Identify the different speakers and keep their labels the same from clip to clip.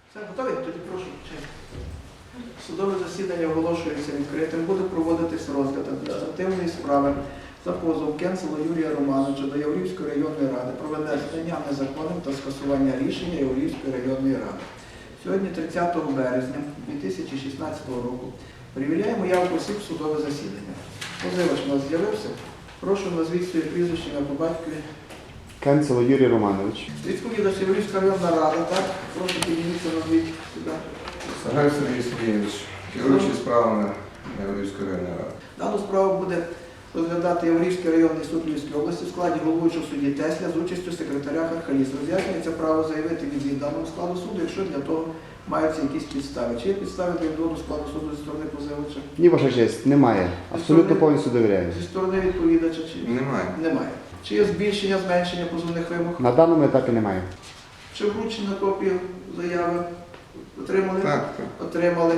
Speaker 1: Все, готові? Тоді прошу. Судове засідання оголошується відкритим. Буде проводитись розгляд адміністративної справи за позов Кенцела Юрія Романовича до Яворівської районної ради про визнання незаконним та скасування рішення Яворівської районної ради. Сьогодні, 30 березня 2016 року, перевіряємо явку осіб в судове засідання. Позивач у нас з'явився. Прошу, назвіть своє прізвище на по батькові.
Speaker 2: Кенцело Юрій Романович.
Speaker 1: Відповідно, Яворівська районна рада, так? Прошу підніміться, назвіть сюди.
Speaker 3: Сагаль Сергій Сергійович, керуючий справами Яворівської районної ради.
Speaker 1: Дану справу буде розглядати Яворівський районний суд Львівської області в складі головуючого судді Тесля з участю секретаря Хархаліс. Роз'яснюється право заявити відвід даному складу суду, якщо для того маються якісь підстави. Чи є підстави для відводу складу суду зі сторони позивача?
Speaker 2: Ні, ваша честь, немає. Абсолютно повністю довіряю.
Speaker 1: Зі сторони відповідача чи
Speaker 3: Немає.
Speaker 1: немає. Чи є збільшення, зменшення позовних вимог?
Speaker 2: На даному етапі немає.
Speaker 1: Чи вручена копія заяви? Отримали?
Speaker 3: Так.
Speaker 1: Отримали.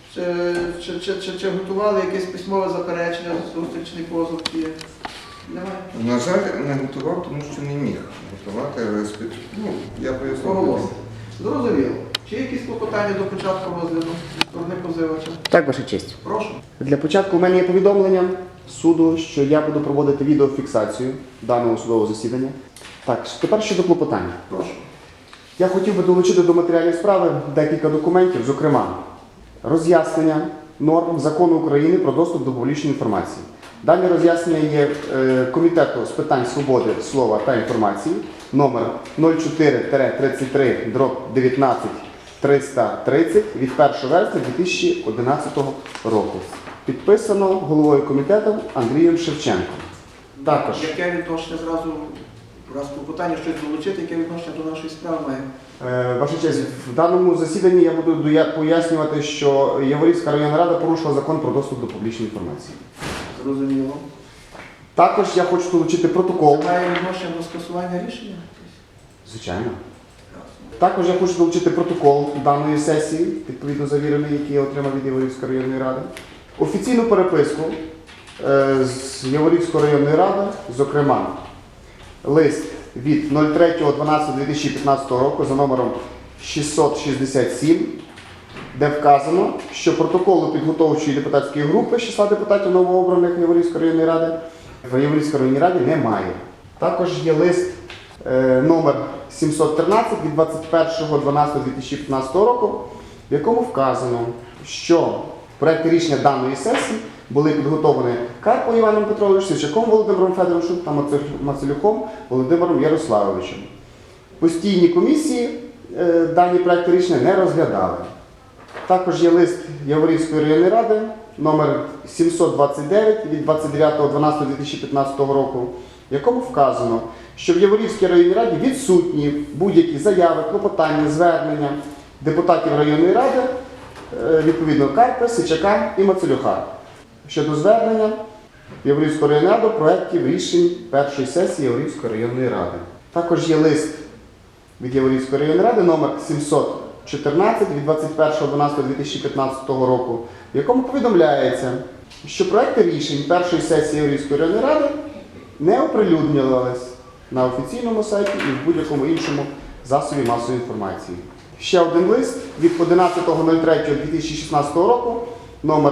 Speaker 1: Чи готували якесь письмове заперечення, зустрічний позов? Чи є? Немає.
Speaker 3: На жаль, не готував, тому що не міг готувати. Я поясню.
Speaker 1: Оголосити. Зрозуміло. Чи є якісь клопотання до початку розгляду зі сторони позивача?
Speaker 2: Так, ваша честь.
Speaker 1: Прошу.
Speaker 2: Для початку у мене є повідомлення суду, що я буду проводити відеофіксацію даного судового засідання. Так, тепер щодо клопотання.
Speaker 1: Прошу.
Speaker 2: Я хотів би долучити до матеріалів справи декілька документів, зокрема, роз'яснення норм Закону України про доступ до публічної інформації. Дані роз'яснення є Комітету з питань свободи слова та інформації номер 04-33/19-330 від 1 вересня 2011 року. Підписано головою комітету Андрієм Шевченком. Також
Speaker 1: Яке відношення зразу, раз клопотання щось долучити, яке відношення до нашої справи має?
Speaker 2: Ваша честь, в даному засіданні я буду пояснювати, що Яворівська районна рада порушила закон про доступ до публічної інформації.
Speaker 1: Зрозуміло.
Speaker 2: Також я хочу долучити протокол.
Speaker 1: Має відношення до скасування рішення?
Speaker 2: Звичайно.
Speaker 1: Ясно.
Speaker 2: Також я хочу долучити протокол даної сесії, відповідно завірений, який я отримав від Яворівської районної ради. Офіційну переписку з Яворівської районної ради, зокрема, лист від 03.12.2015 року за номером 667, де вказано, що протоколу підготовчої депутатської групи з числа депутатів новообраних Яворівської районної ради в Яворівській районній раді немає. Також є лист номер 713 від 21.12.2015 року, в якому вказано, що проекти рішення даної сесії були підготовлені Карпом Іваном Петровичем, Сівчаком Володимиром Федоровичем та Мацелюком Володимиром Ярославовичем. Постійні комісії дані проекти рішення не розглядали. Також є лист Яворівської районної ради номер 729 від 29.12.2015 року, в якому вказано, що в Яворівській районній раді відсутні будь-які заяви, клопотання, звернення депутатів районної ради, відповідно Карпа, Сичака і Мацелюха, щодо звернення в Яворівську районну раду проєктів рішень першої сесії Яворівської районної ради. Також є лист від Яворівської районної ради номер 714 від 21.12.2015 року, в якому повідомляється, що проекти рішень першої сесії Яворівської районної ради не оприлюднювались на офіційному сайті і в будь-якому іншому засобі масової інформації. Ще один лист від 11.03.2016 року, номер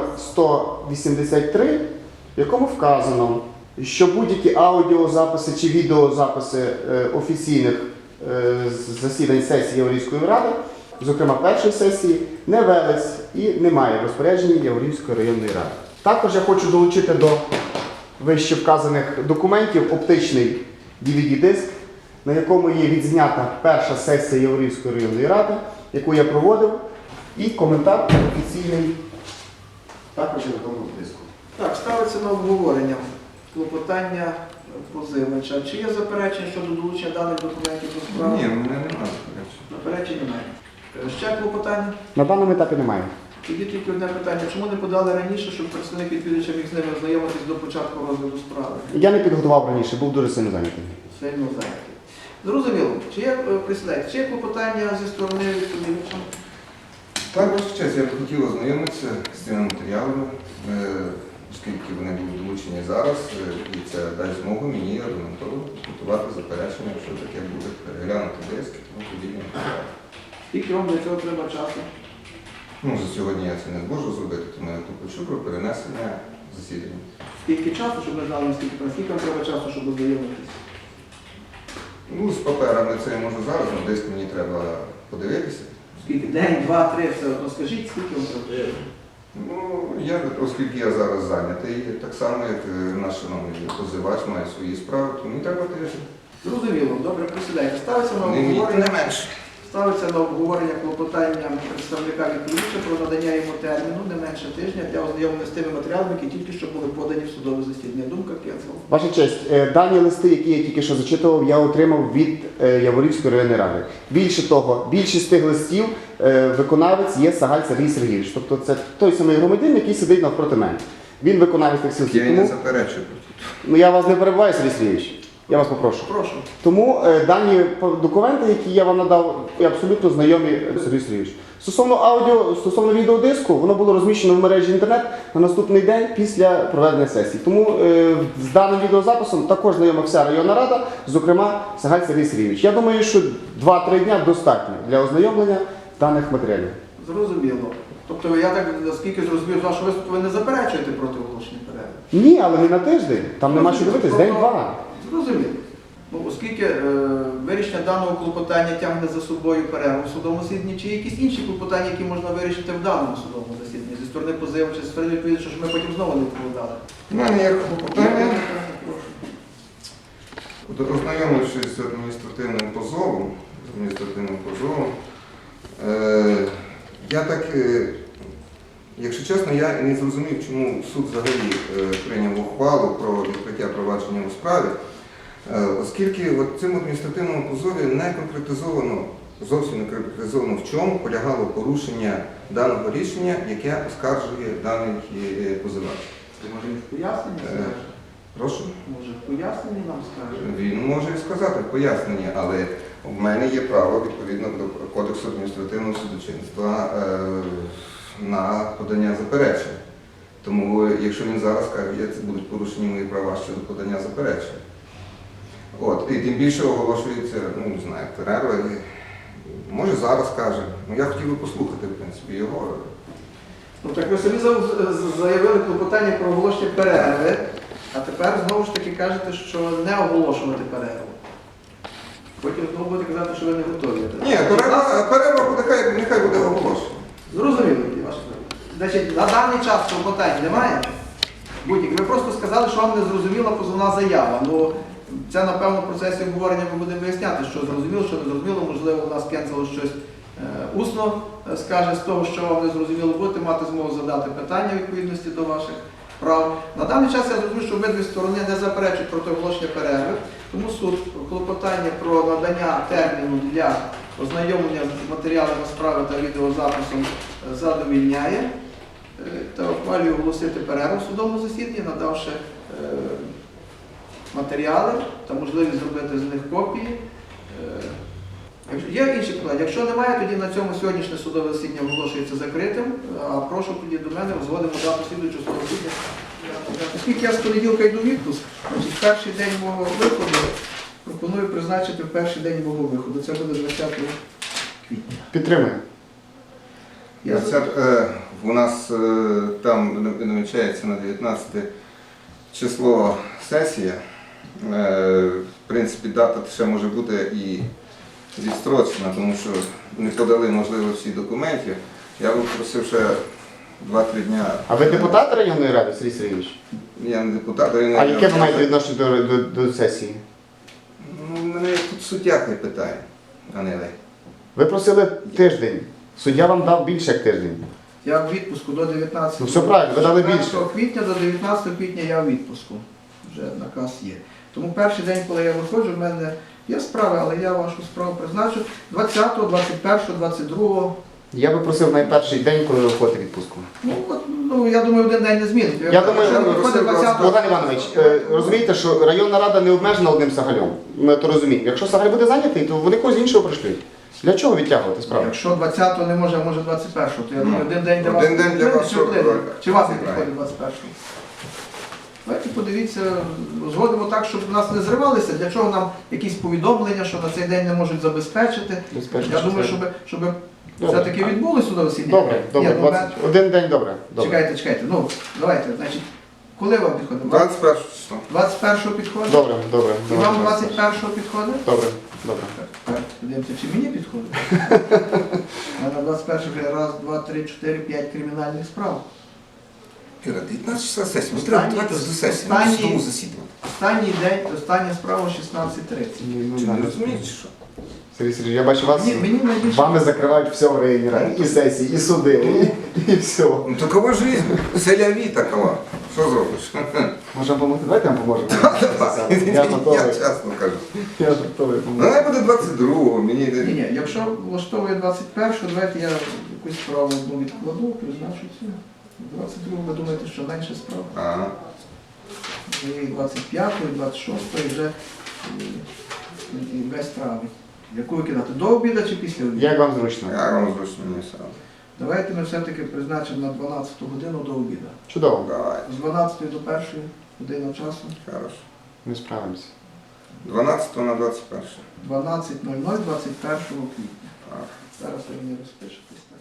Speaker 2: 183, в якому вказано, що будь-які аудіозаписи чи відеозаписи офіційних засідань сесії Яворівської ради, зокрема першої сесії, не велись і немає розпорядження Яворівської районної ради. Також я хочу долучити до вище вказаних документів оптичний DVD-диск, на якому є відзнята перша сесія Яворівської районної ради, яку я проводив, і коментар офіційний також є на тому диску.
Speaker 1: Так, ставиться на обговорення клопотання позивача. Чи є заперечення щодо долучення даних документів до справи?
Speaker 3: Ні, в мене немає.
Speaker 1: Заперечень немає. Ще клопотання?
Speaker 2: На даному етапі немає.
Speaker 1: Тоді тільки одне питання. Чому не подали раніше, щоб представник відповідача міг з ними ознайомитись до початку розгляду справи?
Speaker 2: Я не підготував раніше, був дуже сильно зайнятий.
Speaker 1: Сильно зайнятий. Зрозуміло. Чи є представник? Чи є клопотання зі сторони відповідача?
Speaker 3: Так, ваша честь, я б хотів ознайомитися з цими матеріалами, оскільки вони будуть долучені зараз, і це дасть змогу мені аргументовано готувати заперечення, якщо таке буде переглянути диск, тому подібне матеріали.
Speaker 1: Скільки вам для цього треба часу?
Speaker 3: Ну, за сьогодні я це не зможу зробити, тому я почув про перенесення засідання.
Speaker 1: Скільки часу, щоб ми знали, наскільки вам треба часу, щоб ознайомитись?
Speaker 3: Ну, з паперами це я можу зараз, але десь мені треба подивитися.
Speaker 1: Скільки? День, два, три, все одно скажіть, скільки вам треба?
Speaker 3: Ну, оскільки я зараз зайнятий, так само, як наш шановний позивач має свої справи, то мені треба тиждень.
Speaker 1: Зрозуміло, добре, присідайте. Ставиться на
Speaker 3: Не
Speaker 1: обговорення.
Speaker 3: менше.
Speaker 1: Ставиться на обговорення клопотання представника відповідача про надання йому терміну не менше тижня для ознайомлення з тими матеріалами, які тільки що були подані в судове засідання. Думка Кенцел.
Speaker 2: Ваша честь, дані листи, які я тільки що зачитував, я отримав від Яворівської районної ради. Більше того, більшість тих листів виконавець є Сагаль Сергій Сергійович. Тобто це той самий громадянин, який сидить навпроти мене. Він виконавець тих листів.
Speaker 3: Я і не заперечую.
Speaker 2: Ну я вас не перебиваю, Сергій Сергійович. Я вас попрошу.
Speaker 1: Прошу.
Speaker 2: Тому дані документи, які я вам надав, абсолютно знайомі Сергій Сергійович. Стосовно відеодиску, воно було розміщено в мережі інтернет на наступний день після проведення сесії. Тому з даним відеозаписом також знайома вся районна рада, зокрема Сагаль Сергій Сергійович. Я думаю, що 2-3 дня достатньо для ознайомлення даних матеріалів.
Speaker 1: Зрозуміло. Тобто я так, наскільки зрозумів з вашого виступу, ви не заперечуєте проти оголошення перерви?
Speaker 2: Ні, але не на тиждень. Там нема що дивитись, день-два.
Speaker 1: Зрозуміло. Ну, оскільки вирішення даного клопотання тягне за собою перерву в судовому засіданні, чи є якісь інші клопотання, які можна вирішити в даному судовому засіданні, зі сторони позивача, зі сторони відповідача, щоб ми потім знову не відповідали?
Speaker 3: У мене є клопотання. Ознайомившись з адміністративним позовом, я так, якщо чесно, я не зрозумів, чому суд взагалі прийняв ухвалу про відкриття провадження у справі, оскільки в цьому адміністративному позові не конкретизовано, зовсім не конкретизовано, в чому полягало порушення даного рішення, яке оскаржує даний позивач.
Speaker 1: Це може він в поясненні скаже?
Speaker 3: Прошу?
Speaker 1: Може в поясненні нам скаже?
Speaker 3: Він може і сказати в поясненні, але в мене є право, відповідно до Кодексу адміністративного судочинства, на подання заперечень. Тому, якщо він зараз каже, це будуть порушені мої права щодо подання заперечень. От, і тим більше оголошується, ну, не знаю, перерва. Може зараз каже. Ну, я хотів би послухати, в принципі, його.
Speaker 1: Ну так ви самі заявили клопотання про оголошення перерви, а тепер знову ж таки кажете, що не оголошувати перерву. Потім знову будете казати, що ви не готові.
Speaker 3: Ні, перерва буде, нехай буде оголошена.
Speaker 1: Зрозуміло, які ваші правила. Значить, на даний час клопотань немає? Будь-які. Ви просто сказали, що вам не зрозуміла позовна заява. Ну, це, напевно, в процесі обговорення ми будемо виясняти, що зрозуміло, що не зрозуміло. Можливо, у нас Кенцело щось усно скаже з того, що вам не зрозуміло. Будете мати змогу задати питання у відповідності до ваших прав. На даний час я зрозумів, що обидві сторони не заперечують проти оголошення перерви. Тому суд клопотання про надання терміну для ознайомлення з матеріалами справи та відеозаписом задовільняє та ухвалює оголосити перерву в судовому засіданні, надавши матеріали та можливість зробити з них копії. Є інші питання. Якщо немає, тоді на цьому сьогоднішнє судове засідання оголошується закритим. А прошу тоді до мене, узгодимо дату слідуючого судового засідання. Оскільки я з понеділка йду в відпуск, значить, перший день мого виходу пропоную призначити в перший день мого виходу. Це буде 20 квітня.
Speaker 2: Підтримуємо.
Speaker 3: У нас там намічається на 19 число сесія. В принципі, дата ще може бути і відстрочена, тому що не подали, можливо, всі документи. Я би просив ще 2-3 дня.
Speaker 2: А ви депутат районної ради, Сергій Сергійович?
Speaker 3: Я не депутат районної
Speaker 2: А
Speaker 3: ради.
Speaker 2: яке ви маєте відношення до сесії?
Speaker 3: Ну, мене тут суддя хай питає, а не ви.
Speaker 2: Ви просили тиждень. Суддя вам дав більше як тиждень.
Speaker 1: Я в відпуску до 19
Speaker 2: Ну, все правильно, ви дали
Speaker 1: 14
Speaker 2: більше.
Speaker 1: квітня до 19 квітня я в відпуску. Вже наказ є. Тому перший день, коли я виходжу, в мене є справи, але я вашу справу призначу 20, 21, 22.
Speaker 2: Я би просив найперший день, коли ви виходите в відпустку.
Speaker 1: Ну, я думаю, один день не змінить.
Speaker 2: Я думаю,
Speaker 1: Якщо виходить 20,
Speaker 2: Богдан Іванович, розумієте, що районна рада не обмежена одним Сагалем. Ми то розуміємо. Якщо Сагаль буде зайнятий, то вони когось іншого пришлють. Для чого відтягувати справу?
Speaker 1: Якщо 20-го не може, а може 21-го, то я думаю, один день для вас.
Speaker 3: Один день для вас,
Speaker 1: Чи один?
Speaker 3: що?
Speaker 1: Чи вас не
Speaker 3: Правильно.
Speaker 1: підходить 21-го? Давайте подивіться, згодимо так, щоб нас не зривалися, для чого нам якісь повідомлення, що на цей день не можуть забезпечити. Я думаю, щоб
Speaker 2: Добре.
Speaker 1: все-таки відбулося судове засідання.
Speaker 2: Добре, добре,
Speaker 1: Ні, ну,
Speaker 2: 21 день, добре. Добре.
Speaker 1: Чекайте, ну, давайте, значить, коли вам підходить?
Speaker 3: 21 число.
Speaker 1: 21-го підходить?
Speaker 2: Добре, добре.
Speaker 1: І вам 21-го підходить?
Speaker 2: Добре, добре.
Speaker 1: Так, подивимося, чи мені підходить? А на 21-го раз, два, три, чотири, 5 кримінальних справ.
Speaker 3: Іра, 19 числа сесія. Ми
Speaker 1: Останній-
Speaker 3: треба давати до сесії, на
Speaker 1: останній-
Speaker 3: судовому засіданні.
Speaker 1: Останній день, остання справа 16:30.
Speaker 3: Чи не розумієш, чи що?
Speaker 2: Сергій Сергійович, я бачу вас,
Speaker 1: Мені найбільше...
Speaker 2: вами закривають все в районі ради. І сесії, і суди, і все.
Speaker 3: Ну такова жизнь, селяві такова. Що зробиш?
Speaker 2: Можемо допомогти? Давайте я вам поможу. Я
Speaker 3: Я
Speaker 2: готовий.
Speaker 3: чесно кажу.
Speaker 2: Я готовий
Speaker 3: Ну,
Speaker 2: допомогти.
Speaker 3: най буде 22-го, мені
Speaker 1: Ні, ні, якщо влаштовує 21-го, давайте я якусь справу одну відкладу, призначу цю. 22-го, ви думаєте, що менше справ?
Speaker 3: Ага.
Speaker 1: І 25-го, і 26-го, і вже і без травми. Яку викидати? До обіду чи після обіду?
Speaker 2: Як вам зручно?
Speaker 3: Я вам зручно не сам.
Speaker 1: Давайте ми все-таки призначимо на 12-ту годину до обіду.
Speaker 2: Чудово.
Speaker 3: Давай,
Speaker 1: З 12 до 1 години часу.
Speaker 3: хорошо.
Speaker 2: Ми справимося.
Speaker 3: 12 на 21.
Speaker 1: 12:00 21 квітня.
Speaker 3: Так.
Speaker 1: Зараз ви мені розпишетесь.